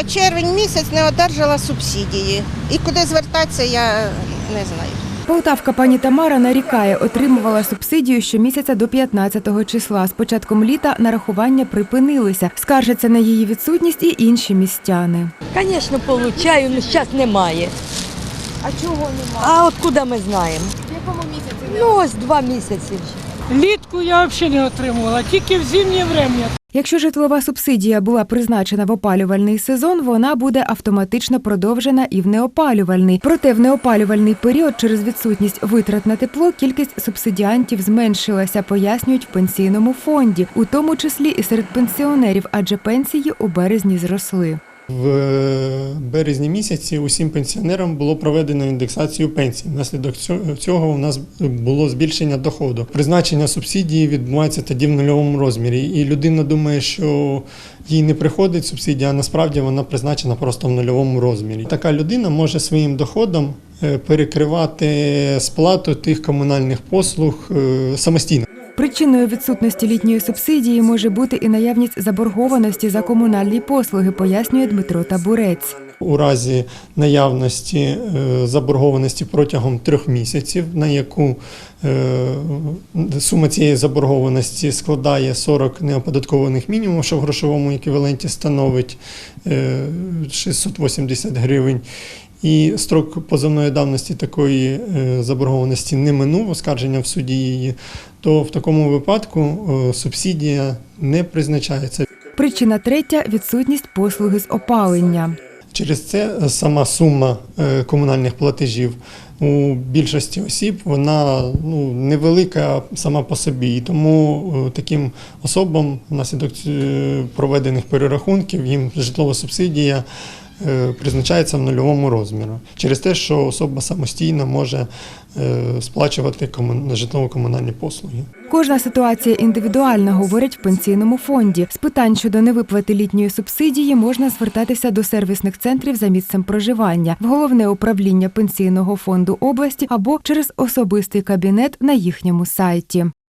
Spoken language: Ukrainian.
за червень місяць не одержала субсидії. І куди звертатися, я не знаю. Полтавка пані Тамара нарікає, отримувала субсидію щомісяця до 15-го числа. З початком літа нарахування припинилися. Скаржаться на її відсутність і інші містяни. Звісно, получаю, але зараз немає. А чого немає? А от куди ми знаємо? В якому місяці? Ну, ось 2 місяці вже. Влітку я взагалі не отримувала, тільки в зимнє время. Якщо житлова субсидія була призначена в опалювальний сезон, вона буде автоматично продовжена і в неопалювальний. Проте в неопалювальний період через відсутність витрат на тепло кількість субсидіантів зменшилася, пояснюють в пенсійному фонді, у тому числі і серед пенсіонерів, адже пенсії у березні зросли. В березні місяці усім пенсіонерам було проведено індексацію пенсій. Внаслідок цього у нас було збільшення доходу. Призначення субсидії відбувається тоді в нульовому розмірі. І людина думає, що їй не приходить субсидія, а насправді вона призначена просто в нульовому розмірі. Така людина може своїм доходом перекривати сплату тих комунальних послуг самостійно. Причиною відсутності літньої субсидії може бути і наявність заборгованості за комунальні послуги, пояснює Дмитро Табурець. У разі наявності заборгованості протягом 3 місяців, на яку сума цієї заборгованості складає 40 неоподаткованих мінімумів, що в грошовому еквіваленті становить 680 гривень, і строк позовної давності такої заборгованості не минув, оскарження в суді її, то в такому випадку субсидія не призначається. Причина третя – відсутність послуги з опалення. Через це сама сума комунальних платежів у більшості осіб, вона невелика сама по собі. І тому таким особам внаслідок проведених перерахунків їм житлова субсидія призначається в нульовому розмірі. Через те, що особа самостійно може сплачувати житлово-комунальні послуги. Кожна ситуація індивідуальна, говорять в пенсійному фонді. З питань щодо невиплати літньої субсидії можна звертатися до сервісних центрів за місцем проживання, в Головне управління Пенсійного фонду області або через особистий кабінет на їхньому сайті.